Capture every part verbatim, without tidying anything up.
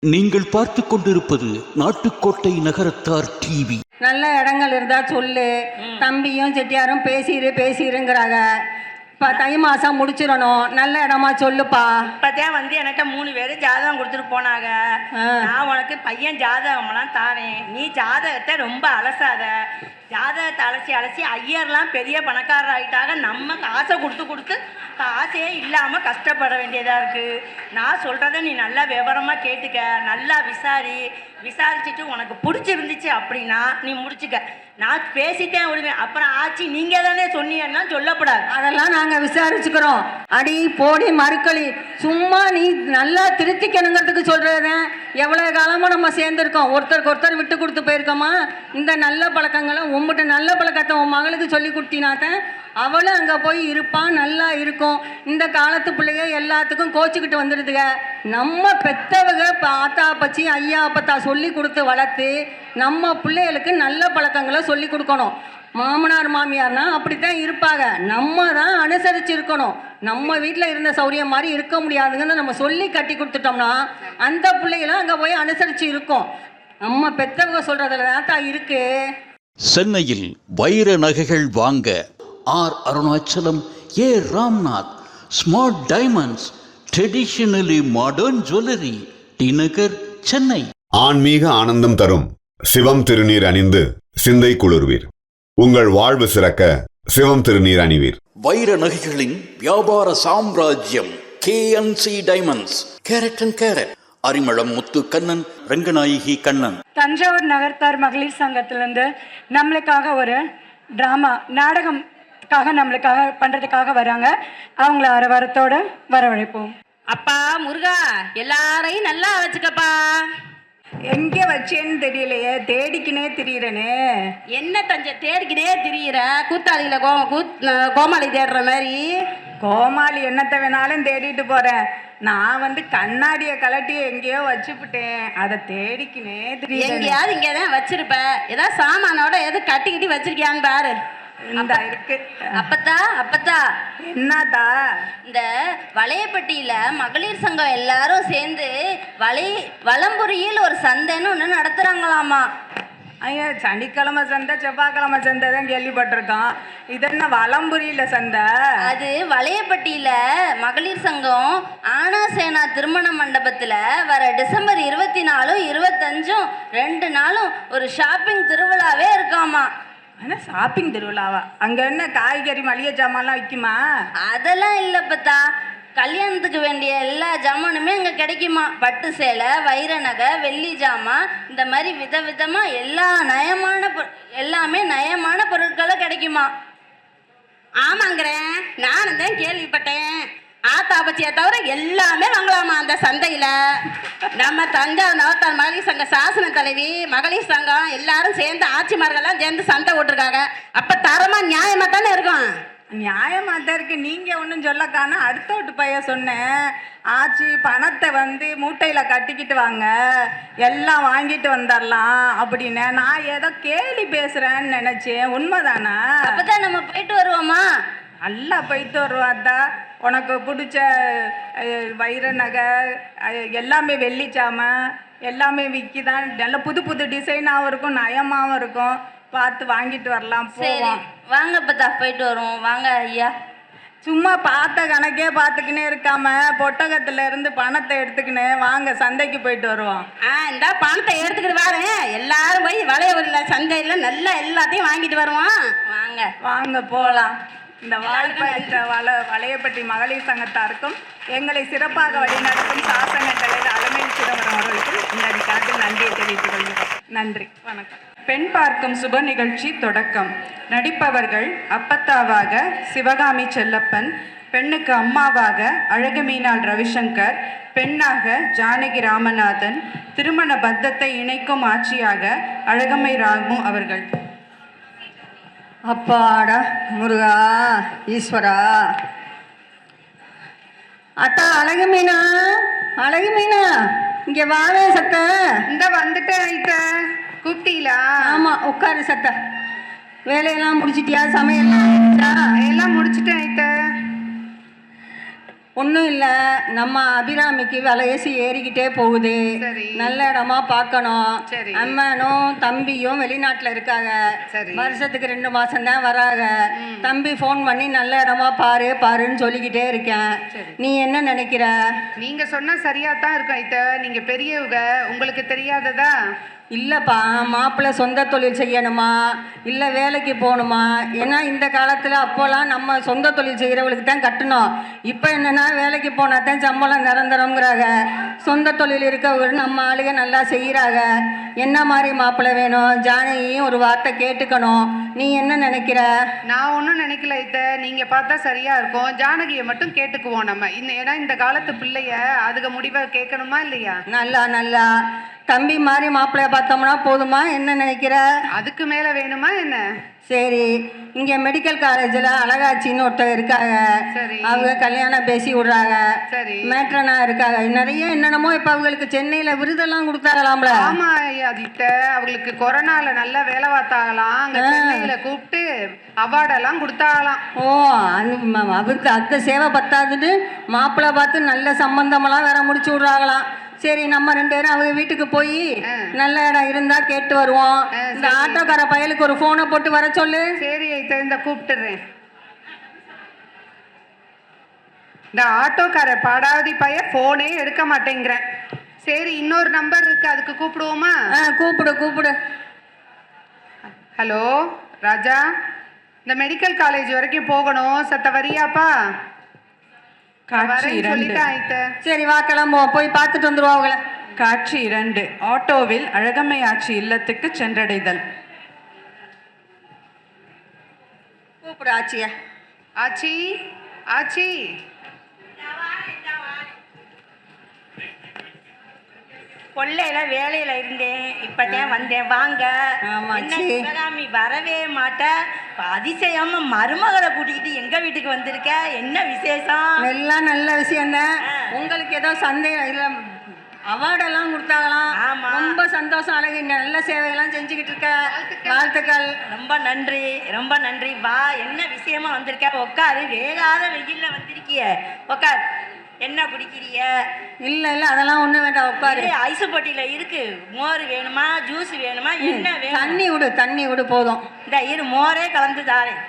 நீங்கள் பார்த்து கொண்டிருப்பது நாட்டுக்கோட்டை நகரத்தார் டிவி. நல்ல இடங்கள் இருந்தா சொல்லு. தம்பியும் செட்டியாரும் பேசிடு பேசிடுங்கிறாங்க. இப்போ தை மாதம் முடிச்சிடணும். நல்ல இடமா சொல்லுப்பா. இப்போதான் வந்து என்கிட்ட மூணு பேர் ஜாதகம் கொடுத்துட்டு போனாங்க. நான் உனக்கு பையன் ஜாதகம்லாம் தாரேன், நீ ஜாதகத்தை ரொம்ப அலசாத. ஜாதகத்தை அலசி அலசி ஐயர்லாம் பெரிய பணக்காரர் ஆகிட்டாங்க. நம்ம காசை கொடுத்து கொடுத்து காசே இல்லாமல் கஷ்டப்பட வேண்டியதாக இருக்குது. நான் சொல்கிறத நீ நல்லா விவரமாக கேட்டுக்க, நல்லா விசாரி. விசாரிச்சுட்டு உனக்கு பிடிச்சிருந்துச்சு அப்படின்னா நீ முடிச்சுக்க. நான் பேசிட்டேன் விடுவேன். அப்புறம் ஆச்சு நீங்கள் தானே சொன்னீங்கன்னா சொல்லக்கூடாது. அதெல்லாம் நாங்கள் விசாரிச்சுக்கிறோம். அடி போடி மறுக்களி, சும்மா நீ நல்லா திருத்திக்கணுங்கிறதுக்கு சொல்கிறேன். எவ்வளோ காலமாக நம்ம சேர்ந்துருக்கோம், ஒருத்தருக்கு ஒருத்தர் விட்டு கொடுத்து போயிருக்கோமா? இந்த நல்ல பழக்கங்களை உங்கள்கிட்ட நல்ல பழக்கத்தை உன் மகளுக்கு சொல்லி கொடுத்தினாத்தான் அவளும் அங்கே போய் இருப்பான், நல்லா இருக்கும். இந்த காலத்து பிள்ளைங்க எல்லாத்துக்கும் கோச்சிக்கிட்டு வந்துடுதுங்க. நம்ம பெற்றவங்க ஆத்தா பச்சி ஐயா அப்பத்தா சொல்லி கொடுத்து வளர்த்து நம்ம பிள்ளைகளுக்கு நல்ல பழக்கங்களை சொல்லி கொடுக்கணும். மாமனார் மாமியார்னா அப்படித்தான் இருப்பாங்க. நம்ம தான் அனுசரித்து இருக்கணும். நம்ம வீட்டில் இருந்த சௌரியம் மாதிரி இருக்க முடியாதுங்கன்னு நம்ம சொல்லி கட்டி கொடுத்துட்டோம்னா அந்த பிள்ளைகளும் அங்கே போய் அனுசரித்து இருக்கும். நம்ம பெற்றவங்க சொல்கிறதுல தான் இருக்கு. சென்னையில் வைர நகைகள் வாங்க R Arunachalam, A Ramnath, smart diamonds, traditionally modern jewellery, T Nagar, Chennai. ஆன்மீக ஆனந்தம் தரும் சிவம் திருநீர் அணிந்து சிந்தை குளிர்வீர். உங்கள் வாழ்வு சிறக்க சிவம் திருநீர் அணிவீர். வைர நகைகளின் வியாபார சாம்ராஜ்யம் K N C diamonds, carat and carat, Arimalam Muthu Kannan, Ranganayaki Kannan. Thanjavur Nagarathar மகளிர் சங்கத்திலேருந்து நம்மளுக்காக ஒரு ட்ராமா நாடகம்காக நம்மளுக்காக பண்ணுறதுக்காக வராங்க. அவங்கள அரை வாரத்தோட வரவழைப்போம். அப்பா முருகா, எல்லாரையும் நல்லா வச்சுக்கப்பா. எங்கே வச்சேன்னு தெரியலையே, தேடிக்கினே திரியிறனே. என்ன தஞ்ச தேடிக்கினே திரியிற? கூத்தாளியில கோ கூத் கோமாளி தேடுற மாதிரி. கோமாளி என்னத்தை வேணாலும் தேடிட்டு போகிறேன். நான் வந்து கண்ணாடியை கலட்டி எங்கேயோ வச்சுப்பிட்டேன், அதை தேடிக்கினே திரியிறேன். எங்கேயாவது இங்கே தான் வச்சிருப்ப. ஏதாவது சாமானோட எது கட்டிக்கிட்டி வச்சிருக்கியான்னு பாரு. இந்த இருக்கு. அப்பத்தா அப்பத்தா என்னதா? இந்த வளையப்பட்டியில மகளிர் சங்கம் எல்லாரும் சேர்ந்து வளை வலம்புரியில் ஒரு சந்தைன்னு ஒன்று நடத்துறாங்களாமா. ஐயா, சனிக்கிழமை சந்தை செவ்வாய்க்கிழமை சந்தை தான் கேள்விப்பட்டிருக்கோம். இது என்ன வலம்புரியில சந்தை? அது வளையப்பட்டியில மகளிர் சங்கம் ஆனா சேனா திருமண மண்டபத்துல வர டிசம்பர் இருபத்தி நாலும் இருபத்தஞ்சும் ரெண்டு நாளும் ஒரு ஷாப்பிங் திருவிழாவே இருக்காமா. ஆனால் ஷாப்பிங் திருவிழாவா? அங்கே என்ன காய்கறி மளிகை ஜாமான்லாம் விற்குமா? அதெல்லாம் இல்லைப்பத்தா. கல்யாணத்துக்கு வேண்டிய எல்லா ஜாமானுமே அங்கே கிடைக்குமா. பட்டு சேலை, வைர நகை, வெள்ளி ஜாமான், இந்த மாதிரி விதவிதமாக எல்லா நயமான பொ எல்லாமே நயமான பொருட்களும் கிடைக்குமா. ஆமாங்கிறேன், நானும் தான் கேள்விப்பட்டேன். ஆத்தாபச்சியை தவிர எல்லாமே வாங்கலாமா அந்த சந்தையில். நம்ம தஞ்சாவூர் நவத்தார் மகளிர் சங்க சாசன தலைவி, மகளிர் சங்கம் எல்லாரும் சேர்ந்து ஆட்சிமார்கள்லாம் சேர்ந்து சந்தை ஓட்டிருக்காங்க. அப்போ தரமாக நியாயமாக தானே இருக்கும். நியாயமாக தான் இருக்கு. நீங்கள் ஒன்றும் சொல்லக்கானா அடுத்த வீட்டு பையன் சொன்னேன், ஆச்சி பணத்தை வந்து மூட்டையில் கட்டிக்கிட்டு வாங்க, எல்லாம் வாங்கிட்டு வந்துடலாம் அப்படின்னு. நான் ஏதோ கேலி பேசுகிறேன்னு நினச்சேன். உண்மைதானா? அப்போ தான் நம்ம போயிட்டு வருவோமா? நல்லா போயிட்டு வருவாதா. உனக்கு பிடிச்ச வைர நகை எல்லாமே, வெள்ளி சாமான் எல்லாமே விற்கிதான். நல்ல புது புது டிசைனாகவும் இருக்கும், நயமாகவும் இருக்கும். பார்த்து வாங்கிட்டு வரலாம். போவோம் வாங்க. பத்தா போயிட்டு வருவோம் வாங்க ஐயா. சும்மா பார்த்த கணக்கே பார்த்துக்கினே இருக்காம பொட்டகத்துல இருந்து பணத்தை எடுத்துக்கினே வாங்க, சந்தைக்கு போயிட்டு வருவோம். ஆ இந்த பணத்தை எடுத்துக்கிட்டு வரேன். எல்லாரும் போய் வளையல சந்தையில் நல்லா எல்லாத்தையும் வாங்கிட்டு வருவோம். வாங்க வாங்க போகலாம். இந்த வாழ்க்கை வள வளையப்பட்டி மகளிர் சங்கத்தாருக்கும் எங்களை சிறப்பாக வழிநடத்தும் சாசன தலைவர் அலமேல் சிதம்பரம் அவர்களுக்கும் இந்த கணக்கில் நன்றியை தெரிவித்துக் கொள்கிறோம். நன்றி, வணக்கம். பெண் பார்க்கும் சுப நிகழ்ச்சி தொடக்கம். நடிப்பவர்கள் அப்பத்தாவாக சிவகாமி செல்லப்பன், பெண்ணுக்கு அம்மாவாக அழகுமீனாள் ரவிசங்கர், பெண்ணாக ஜானகி ராமநாதன், திருமண பந்தத்தை இணைக்கும் ஆட்சியாக அழகம்மை ராமு அவர்கள். அப்பாடா முருகா ஈஸ்வரா. அத்தா அழகு மீனா, அழகு மீனா இங்கே வாவே சத்த. இந்த வந்துட்டேன் ஐட்ட. கூப்பிட்டீங்களா? ஆமாம், உட்காரு சத்த. வேலையெல்லாம் முடிச்சிட்டியா? சமையல்லாம் எல்லாம் முடிச்சுட்டேன் ஐட்ட. ஒன்றும் இல்லை, நம்ம அபிராமிக்கு விலையேசி ஏறிக்கிட்டே போகுது. சரி. நல்ல இடமா பார்க்கணும். சரி. அம்மனும் தம்பியும் வெளிநாட்டில் இருக்காங்க. சரி. வருஷத்துக்கு ரெண்டு மாதம் தான் வராங்க. தம்பி ஃபோன் பண்ணி நல்ல இடமா பாரு பாருன்னு சொல்லிக்கிட்டே இருக்கேன். நீ என்ன நினைக்கிற? நீங்க சொன்னா சரியா தான் இருக்கும் ஐத்த. நீங்க பெரியவங்க, உங்களுக்கு தெரியாததா? இல்லைப்பா, மாப்பிள்ளை சொந்த தொழில் செய்யணுமா இல்லை வேலைக்கு போகணுமா? ஏன்னா இந்த காலத்தில் அப்போல்லாம் நம்ம சொந்த தொழில் செய்கிறவளுக்கு தான் கட்டணும். இப்போ என்னென்னா வேலைக்கு போனால் தான் சம்பளம் நிரந்தரங்கிறாங்க. சொந்த தொழில் இருக்கவங்க நம்ம ஆளுங்க நல்லா செய்கிறாங்க. என்ன மாதிரி மாப்பிள்ளை வேணும்? ஜானகியும் ஒரு வார்த்தை கேட்டுக்கணும். நீ என்ன நினைக்கிற? நான் ஒன்றும் நினைக்கல ஐத்த. நீங்க பார்த்தா சரியா இருக்கும். ஜானகியை மட்டும் கேட்டுக்குவோம் நம்ம. இந்த ஏன்னா இந்த காலத்து பிள்ளைய அதுக்கு முடிவை கேட்கணுமா இல்லையா? நல்லா நல்லா தம்பி மாதிரி மாப்பிள்ளைய பார்த்தோம்னா போதுமா? என்ன நினைக்கிற? அதுக்கு மேல வேணுமா என்ன? சரி, இங்கே மெடிக்கல் காலேஜில் அழகாச்சின்னு ஒருத்தர் இருக்காங்க. சரி. அவங்க கல்யாணம் பேசி விடுறாங்க. சரி. மேட்ரனா இருக்காங்க. நிறைய என்னென்னமோ இப்போ அவங்களுக்கு சென்னையில் விருதெல்லாம் கொடுத்தாங்களாம்ல. ஆமா அதித்த, அவங்களுக்கு கொரோனால நல்லா வேலை பார்த்தாங்களாம். அங்க சென்னையில கூப்பிட்டு அவார்டெல்லாம் கொடுத்தாங்களாம். ஓ, அந்த அவருக்கு அந்த சேவை பத்தாதுன்னு மாப்பிள்ளை பார்த்து நல்ல சம்பந்தமெல்லாம் வேற முடிச்சு விட்றாங்களாம். சரி, நம்ம ரெண்டு பேரும் அவங்க வீட்டுக்கு போய் நல்ல இடம் இருந்தா கேட்டு வருவோம். இந்த ஆட்டோக்கார பயலுக்கு ஒரு போனை போட்டு வர சொல்லு. சரி ஐத்த, இந்த கூப்பிட்டுறேன். இந்த ஆட்டோக்கார பாடாவதி பைய போனே எடுக்க மாட்டேங்கிறேன். சரி, இன்னொரு நம்பர் இருக்கு, அதுக்கு கூப்பிடுவோமா? கூப்பிடு கூப்பிடு. ஹலோ ராஜா, இந்த மெடிக்கல் காலேஜ் வரைக்கும் போகணும், சத்த வரியாப்பா? சரி வா கிளம்புவோம், போய் பார்த்துட்டு வந்துருவோம் அவங்கள. காட்சி இரண்டு. ஆட்டோவில் அழகம்மை ஆட்சி இல்லத்துக்கு சென்றடைதல். கூப்பிடு ஆச்சிய. ஆச்சி ஆச்சி. கொள்ளையில வேலையில இருந்தேன், இப்பதான் வந்தேன். வாங்க. என்ன சிவகாமி வரவே மாட்ட? அதிசயமா மருமகளை கூட்டிக்கிட்டு எங்க வீட்டுக்கு வந்திருக்க? என்ன விசேஷம்? எல்லாம் நல்ல விஷயம் தான். உங்களுக்கு ஏதோ சந்தேகம் இல்லை? அவார்டெல்லாம் கொடுத்தாங்களாம். ரொம்ப சந்தோஷம். அழகு, நல்ல சேவையெல்லாம் செஞ்சுக்கிட்டு இருக்க. வாழ்த்துக்கள். ரொம்ப நன்றி, ரொம்ப நன்றி. வா, என்ன விஷயமா வந்திருக்க? உட்காரு. வேகாத வெயில்ல வந்திருக்கிய, உட்கார். என்ன குடிக்கிறிய? இல்ல இல்ல அதெல்லாம் ஒண்ணு வேண்டாம், உட்காரு. ஐஸ் பொட்டியில இருக்கு. மோர் வேணுமா, ஜூஸ் வேணுமா, என்ன வேணும்? தண்ணி விடு, தண்ணி விடு போதும். இந்த இரு, மோரே கலந்து தாரேன்.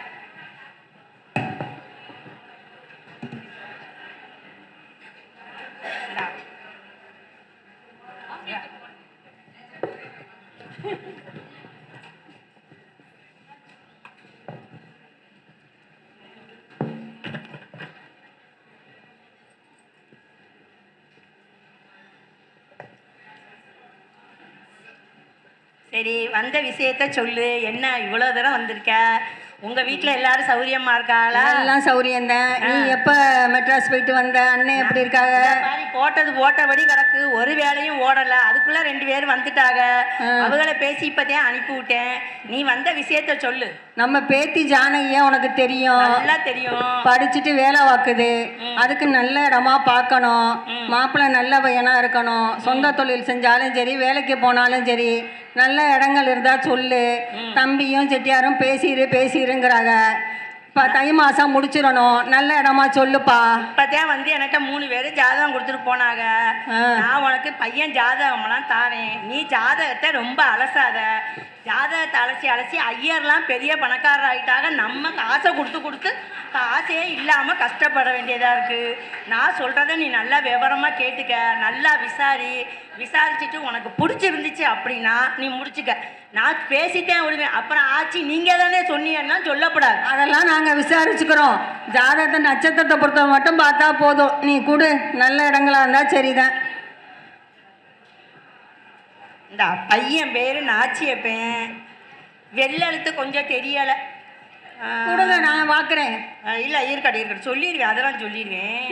சரி, வந்த விஷயத்த சொல்லு. என்ன இவ்வளோ தூரம் வந்திருக்க? உங்க வீட்டில் எல்லாரும் சௌரியமா இருக்காளா? எல்லாம் சௌரியம்தான். நீ எப்ப மெட்ராஸ் போயிட்டு வந்த? அண்ணன் எப்படி இருக்காங்க? போட்டது போட்டபடி கிடக்கு, ஒரு வேலையும் ஓடல. அதுக்குள்ள ரெண்டு பேரும் வந்துட்டாங்க. அவங்கள பேசி இப்பதான் அனுப்பி விட்டேன். நீ வந்த விஷயத்த சொல்லு. நம்ம பேத்தி ஜானகியா உனக்கு தெரியும்? நல்லா தெரியும். படிச்சுட்டு வேலை வாக்குது. அதுக்கு நல்ல இடமா பார்க்கணும். மாப்பிள்ளை நல்ல பையனா இருக்கணும். சொந்த தொழில் செஞ்சாலும் சரி, வேலைக்கு போனாலும் சரி, நல்ல இடங்கள் இருந்தா சொல்லு. தம்பியும் செட்டியாரும் பேசிடு பேசிடுங்கிறாங்க. இப்போ தை மாதம் முடிச்சிடணும். நல்ல இடமா சொல்லுப்பா. இப்போதான் வந்து என்கிட்ட மூணு பேர் ஜாதகம் கொடுத்துட்டு போனாங்க. நான் உனக்கு பையன் ஜாதகம்லாம் தாரேன். நீ ஜாதகத்தை ரொம்ப அலசாத. ஜாதகத்தை அலசி அலசி ஐயர்லாம் பெரிய பணக்காரர் ஆகிட்டாங்க. நம்ம காசை கொடுத்து கொடுத்து காசே இல்லாமல் கஷ்டப்பட வேண்டியதாக இருக்குது. நான் சொல்கிறத நீ நல்லா விவரமாக கேட்டுக்க. நல்லா விசாரி. விசாரிச்சுட்டு உனக்கு பிடிச்சிருந்துச்சு அப்படின்னா நீ முடிச்சுக்க. நான் பேசிட்டேன் விடுவேன். அப்புறம் ஆச்சு நீங்கள் தானே சொன்னீங்கன்னா சொல்லப்படாது. அதெல்லாம் நாங்கள் விசாரிச்சுக்கிறோம். ஜாதகத்தை நட்சத்திரத்தை பொறுத்த மட்டும் பார்த்தா போதும். நீ கொடு. நல்ல இடங்களா இருந்தால் சரிதான். இந்த பையன் பேர் நாச்சியப்பேன். வெள்ளெழுத்து கொஞ்சம் தெரியலை. கொடுங்க, நான் பார்க்குறேன். இல்லை இருக்கட்டும் இருக்கட்டும், சொல்லிடுவேன். அதெல்லாம் சொல்லிடுவேன்.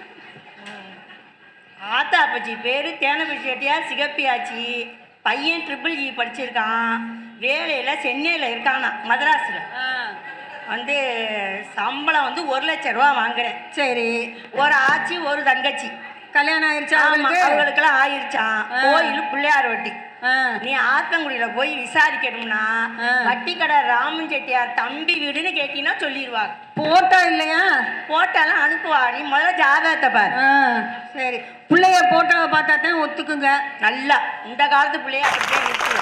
ஆத்தா அப்பச்சி பேர் தேனப்பச்சி செட்டியார் சிகப்பி ஆச்சி. பையன் ட்ரிபிள் இ படிச்சிருக்கான். வேலையில் சென்னையில் இருக்கானா, மதராஸில். வந்து சம்பளம் வந்து ஒரு லட்ச ரூபா வாங்குறேன். சரி. ஒரு ஆச்சி ஒரு தங்கச்சி. கல்யாணம் ஆயிடுச்சா ஆமா, அவங்களுக்கு? அவங்களுக்கெல்லாம் ஆயிடுச்சான். கோயில் பிள்ளையார் வட்டி. ஆ. நீ ஆத்தங்குடியில போய் விசாரிக்கணும்னா வட்டி கடை ராமன் செட்டியார் தம்பி வீடுன்னு கேட்டீங்கன்னா சொல்லிடுவாங்க. போட்டோ இல்லையா? போட்டாலும் அனுப்புவா. நீ முதல்ல ஜாதகத்தை பாரு. ஆ, சரி. பிள்ளைய போட்டோவை பார்த்தா தான் ஒத்துக்குங்க. நல்லா இந்த காலத்து பிள்ளைய அப்படியே நிற்கும்.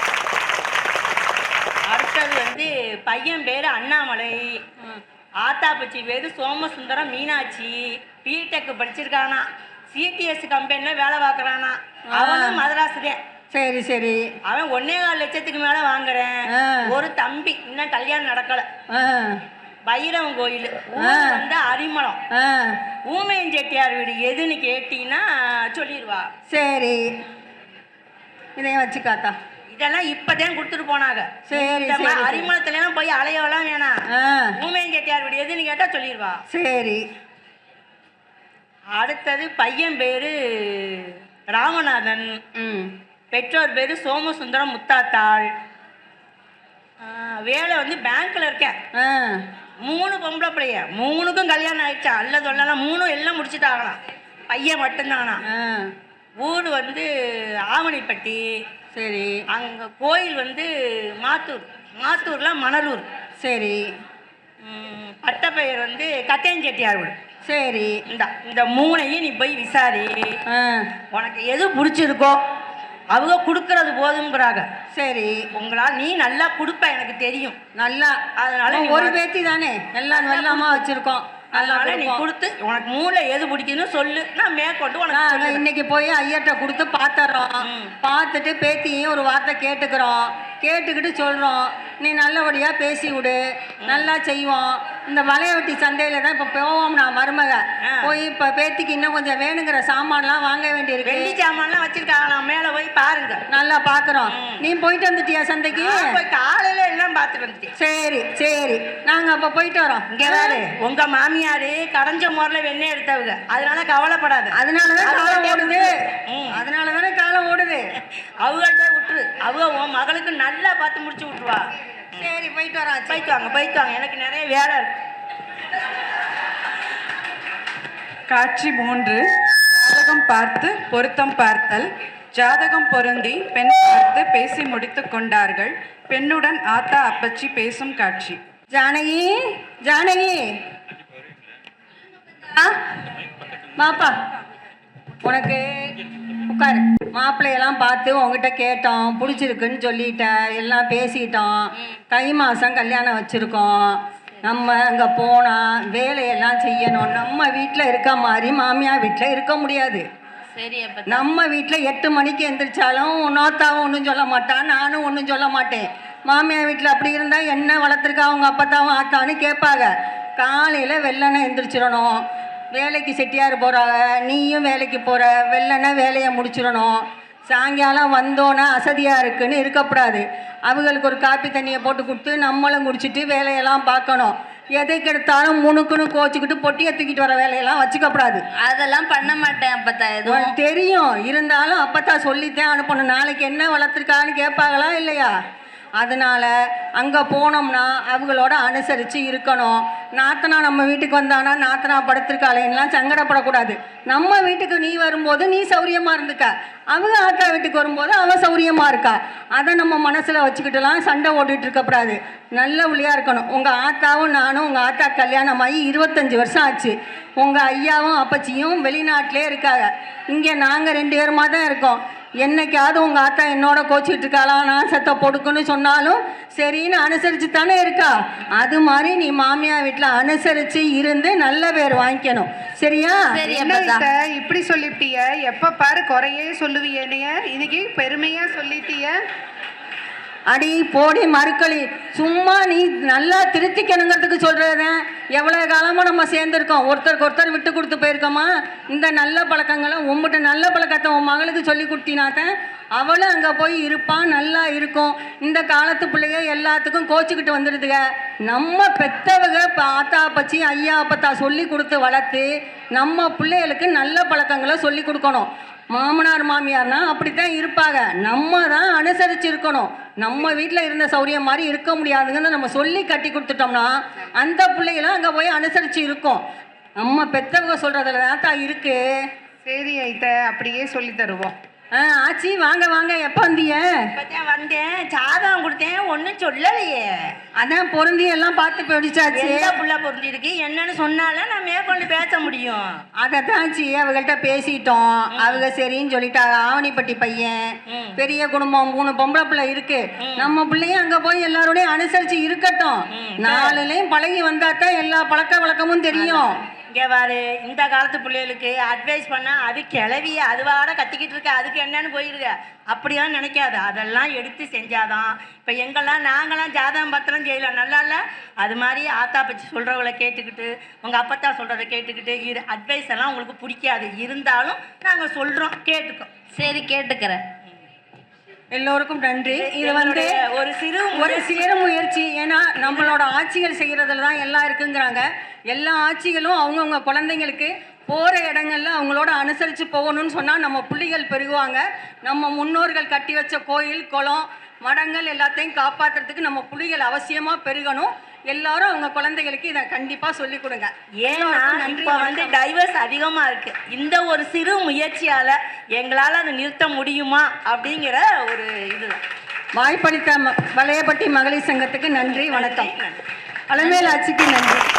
அடுத்தது வந்து பையன் பேரு அண்ணாமலை, ஆத்தாப்பச்சி பேரு சோமசுந்தரம் மீனாட்சி, பிடெக் படிச்சிருக்கானா, சிடிஎஸ் கம்பெனில வேலை பார்க்கறானா. அவனும் மதராசுதேன். சரி சரி. அவன் ஒன்னே கால் லட்சத்துக்கு மேல வாங்குறேன். ஒரு தம்பி இன்னும் கல்யாணம் நடக்கல. பைரவன் கோயில் வந்து அரிமளம். ஊமையன் செட்டியார் வீடு எதுன்னு கேட்டீங்கன்னா சொல்லிடுவா. சரி, இதையும் வச்சுக்காத்தா. இதெல்லாம் இப்பதான் கொடுத்துட்டு போனாங்க. சரி, அரிமளத்துல எல்லாம் போய் அலையவெல்லாம் வேணாம். ஊமையன் செட்டியார் வீடு எதுன்னு கேட்டா சொல்லிடுவா. சரி. அடுத்தது பையன் பேரு ராமநாதன், பெற்றோர் பேரு சோமசுந்தரம் முத்தாத்தாள். வேலை வந்து பேங்க்ல இருக்கேன். மூணு பொம்பளை பிள்ளைய, மூணுக்கும் கல்யாணம் ஆயிடுச்சா? அல்ல சொல்லலாம், மூணும் எல்லாம் முடிச்சுட்டாங்களாம். பையன் மட்டும்தானா. ஊர் வந்து ஆவணிப்பட்டி. சரி. அங்க கோயில் வந்து மாத்தூர். மாத்தூர்ல மணலூர். சரி. பட்டப்பெயர் வந்து கட்டையஞ்செட்டியார் வீடு. சரி. இந்த இந்த மூணையும் நீ போய் விசாரி. உனக்கு எது பிடிச்சிருக்கோ அவங்க கொடுக்கறது போதுங்கிறாங்க. சரி. உங்களால் நீ நல்லா கொடுப்ப எனக்கு தெரியும் நல்லா. அதனால ஒரு பேத்தி தானே எல்லாம் வெள்ளாமா வச்சிருக்கோம். அதனால நீ கொடுத்து உனக்கு மூளை எது பிடிக்குன்னு சொல்லு, நான் மேற்கொண்டு உனக்கு இன்னைக்கு போய் ஐயர்கிட்ட கொடுத்து பார்த்துறோம். பார்த்துட்டு பேத்தியும் ஒரு வார்த்தை கேட்டுக்கிறோம். கேட்டுக்கிட்டு சொல்கிறோம், நீ நல்லபடியாக பேசி விடு, நல்லா செய்வோம். இந்த வளையவட்டி சந்தையில் தான் இப்போ போவோம். நான் மருமக போய் இப்போ பேத்திக்கு இன்னும் கொஞ்சம் வேணுங்கிற சாமான்லாம் வாங்க வேண்டியிருக்கு. வெள்ளி சாமான்லாம் வச்சிருக்காங்க, மேலே போய் பாருங்க. நல்லா பார்க்குறோம். நீ போயிட்டு வந்துட்டியா சந்தைக்கு? காலையில் எல்லாம் பார்த்துட்டு வந்துட்டேன். சரி சரி, நாங்கள் அப்போ போயிட்டு வரோம். இங்கே வேறு உங்கள் மாமியார் கடைஞ்ச முறையில் வெண்ணெய் எடுத்தவங்க, அதனால கவலைப்படாது. அதனால தான் காலம் ஓடுது. அதனால தானே காலம் ஓடுது. அவங்கள்ட்ட விட்டுரு, அவங்க உன் மகளுக்கு நல்லா பார்த்து முடிச்சு விட்டுருவா. சரி, போயிட்டு வரோம். போயிட்டு வாங்க போயிட்டு வாங்க, எனக்கு நிறைய வேலை இருக்கு. காட்சி மூன்று. ஜாதகம் பார்த்து பொருத்தம் பார்த்தல். ஜாதகம் பொருந்தி பெண் பார்த்து பேசி முடித்து கொண்டார்கள். பெண்ணுடன் ஆத்தா அப்பச்சி பேசும் காட்சி. ஜானகி, ஜானகி மாப்பா, உனக்கு உட்காரு. மாப்பிள்ளையெல்லாம் பார்த்து உங்ககிட்ட கேட்டோம், பிடிச்சிருக்குன்னு சொல்லிட்ட, எல்லாம் பேசிட்டோம். தை மாதம் கல்யாணம் வச்சுருக்கோம். நம்ம அங்கே போனால் வேலையெல்லாம் செய்யணும். நம்ம வீட்டில் இருக்க மாதிரி மாமியார் வீட்டில் இருக்க முடியாது. நம்ம வீட்டில் எட்டு மணிக்கு எந்திரிச்சாலும் நோத்தாவும் ஒன்றும் சொல்ல மாட்டான், நானும் ஒன்றும் சொல்ல மாட்டேன். மாமியார் வீட்டில் அப்படி இருந்தால் என்ன வளர்த்துருக்கா அவங்க அப்பத்தாவும் ஆத்தான்னு கேட்பாங்க. காலையில் வெள்ளனை எந்திரிச்சிடணும். வேலைக்கு செட்டியார் போகிறாங்க, நீயும் வேலைக்கு போகிற, வெள்ளனை வேலையை முடிச்சிடணும். சாயங்காலம் வந்தோன்னா அசதியாக இருக்குன்னு இருக்கக்கூடாது. அவங்களுக்கு ஒரு காப்பி தண்ணியை போட்டு கொடுத்து நம்மளும் குடிச்சிட்டு வேலையெல்லாம் பார்க்கணும். எதுக்கு எடுத்தாலும் முணுக்குன்னு கோச்சிக்கிட்டு பொட்டியை தூக்கிட்டு வர வேலையெல்லாம் வச்சுக்கப்படாது. அதெல்லாம் பண்ண மாட்டேன் அப்பத்தா. எதுவும் தெரியும், இருந்தாலும் அப்பத்தா சொல்லித்தான் அனுப்பணும். நாளைக்கு என்ன வளர்த்துருக்கான்னு கேட்பாங்களா இல்லையா? அதனால் அங்கே போனோம்னா அவங்களோட அனுசரித்து இருக்கணும். நாத்தனா நம்ம வீட்டுக்கு வந்தானா நாத்தனா படுத்திருக்காளேன்னெலாம் சங்கடப்படக்கூடாது. நம்ம வீட்டுக்கு நீ வரும்போது நீ சௌரியமாக இருந்துக்க, அவங்க ஆத்தா வீட்டுக்கு வரும்போது அவள் சௌரியமாக இருக்கா. அதை நம்ம மனசில் வச்சுக்கிட்டுலாம் சண்டை ஓட்டிகிட்டு இருக்கக்கூடாது. நல்ல ஒளியாக இருக்கணும். உங்கள் ஆத்தாவும் நானும், உங்கள் ஆத்தா கல்யாணமாகி இருபத்தஞ்சி வருஷம் ஆச்சு. உங்கள் ஐயாவும் அப்பச்சியும் வெளிநாட்டிலே இருக்காங்க. இங்கே நாங்கள் ரெண்டு பேருமா தான் இருக்கோம். என்னைக்காவது உங்கள் ஆத்தா என்னோட கோச்சிக்கிட்டு இருக்காளா, நான் செத்த பொடுக்குன்னு சொன்னாலும் சரின்னு அனுசரித்து தானே இருக்கா. அது மாதிரி நீ மாமியார் வீட்டில் அனுசரித்து இருந்து நல்ல பேர் வாங்கிக்கணும். சரியா? இப்படி சொல்லிட்டிய, எப்போ பாரு குறையே சொல்லுவியனைய, இன்னைக்கு பெருமையா சொல்லிட்டிய. அடி போடி மறுக்களி, சும்மா நீ நல்லா திருத்திக்கணுங்கிறதுக்கு சொல்கிறதேன். எவ்வளோ காலமாக நம்ம சேர்ந்துருக்கோம், ஒருத்தருக்கு ஒருத்தர் விட்டு கொடுத்து போயிருக்கோமா? இந்த நல்ல பழக்கங்களை உங்கள்கிட்ட நல்ல பழக்கத்தை உன் மகளுக்கு சொல்லி கொடுத்தினாத்தான் அவளும் அங்கே போய் இருப்பான், நல்லா இருக்கும். இந்த காலத்து பிள்ளைய எல்லாத்துக்கும் கோச்சிக்கிட்டு வந்துடுதுங்க. நம்ம பெற்றவங்க ஆத்தா பச்சி ஐயா அப்பத்தா சொல்லி கொடுத்து வளர்த்து நம்ம பிள்ளைகளுக்கு நல்ல பழக்கங்களை சொல்லி கொடுக்கணும். மாமனார் மாமியார்னா அப்படித்தான் இருப்பாங்க. நம்ம தான் அனுசரித்து இருக்கணும். நம்ம வீட்டில் இருந்த சௌரியம் மாதிரி இருக்க முடியாதுங்கன்னு நம்ம சொல்லி கட்டி கொடுத்துட்டோம்னா அந்த பிள்ளைகளும் அங்கே போய் அனுசரித்து இருக்கும். நம்ம பெற்றவங்க சொல்கிறதுல தான் தான் இருக்குது. சரி ஐத்த, அப்படியே சொல்லி தருவோம். ஆ ஆச்சி வாங்க வாங்க, எப்போ வந்தீங்க? இப்பதான் வந்தேன், ஜாதகம் கொடுத்தேன், ஒன்றும் சொல்லலையே. அதான் பொருந்தி எல்லாம் பார்த்து போயிடுச்சாச்சு. எந்த புள்ள பொருந்தி இருக்கு என்னன்னு சொன்னாலும் நான் மேற்கொண்டு பேச முடியும். அதைத்தான் ஆச்சி அவங்கள்ட்ட பேசிட்டோம். அவங்க சரின்னு சொல்லிட்டாங்க. ஆவணிப்பட்டி பையன், பெரிய குடும்பம், மூணு பொம்பளை பிள்ளை இருக்கு. நம்ம பிள்ளையும் அங்க போய் எல்லாரோடையும் அனுசரிச்சு இருக்கட்டும். நாலுலையும் பழகி வந்தா தான் எல்லா பழக்க வழக்கமும் தெரியும். இங்கே பாரு, இந்த காலத்து பிள்ளைகளுக்கு அட்வைஸ் பண்ணால் அது கிளவிய அதுவாட கத்திக்கிட்டு இருக்க, அதுக்கு என்னன்னு போயிருக்க. அப்படியெல்லாம் நினைக்காது, அதெல்லாம் எடுத்து செஞ்சாதான். இப்போ எங்கெல்லாம் நாங்களாம் ஜாதகம் பத்திரம் செய்யலாம், நல்லா இல்லை? அது மாதிரி ஆத்தா பச்சி சொல்கிறவங்கள கேட்டுக்கிட்டு, உங்கள் அப்பத்தா சொல்கிறத கேட்டுக்கிட்டு இரு. அட்வைஸ் எல்லாம் உங்களுக்கு பிடிக்காது, இருந்தாலும் நாங்கள் சொல்கிறோம், கேட்டுக்கோம். சரி, கேட்டுக்கிறேன். எல்லோருக்கும் நன்றி. இது வந்து ஒரு சிறு ஒரு சிறு முயற்சி. ஏன்னா நம்மளோட ஆட்சிகள் செய்கிறதுல தான் எல்லாம் இருக்குங்கிறாங்க. எல்லா ஆட்சிகளும் அவங்கவுங்க குழந்தைங்களுக்கு போகிற இடங்கள்ல அவங்களோட அனுசரித்து போகணும்னு சொன்னால் நம்ம பிள்ளைகள் பெருகுவாங்க. நம்ம முன்னோர்கள் கட்டி வச்ச கோயில், குளம், மடங்கள் எல்லாத்தையும் காப்பாற்றுறதுக்கு நம்ம பிள்ளைகள் அவசியமாக பெருகணும். எல்லாரும் அவங்க குழந்தைகளுக்கு இதை கண்டிப்பாக சொல்லிக் கொடுங்க. ஏன்னா இப்போ வந்து டைவர்ஸ் அதிகமாக இருக்கு. இந்த ஒரு சிறு முயற்சியால் எங்களால் அதை நிறுத்த முடியுமா அப்படிங்கிற ஒரு இது வாய்ப்பளித்த வளையப்பட்டி மகளிர் சங்கத்துக்கு நன்றி, வணக்கம். அலமேல் ஆட்சிக்கு நன்றி.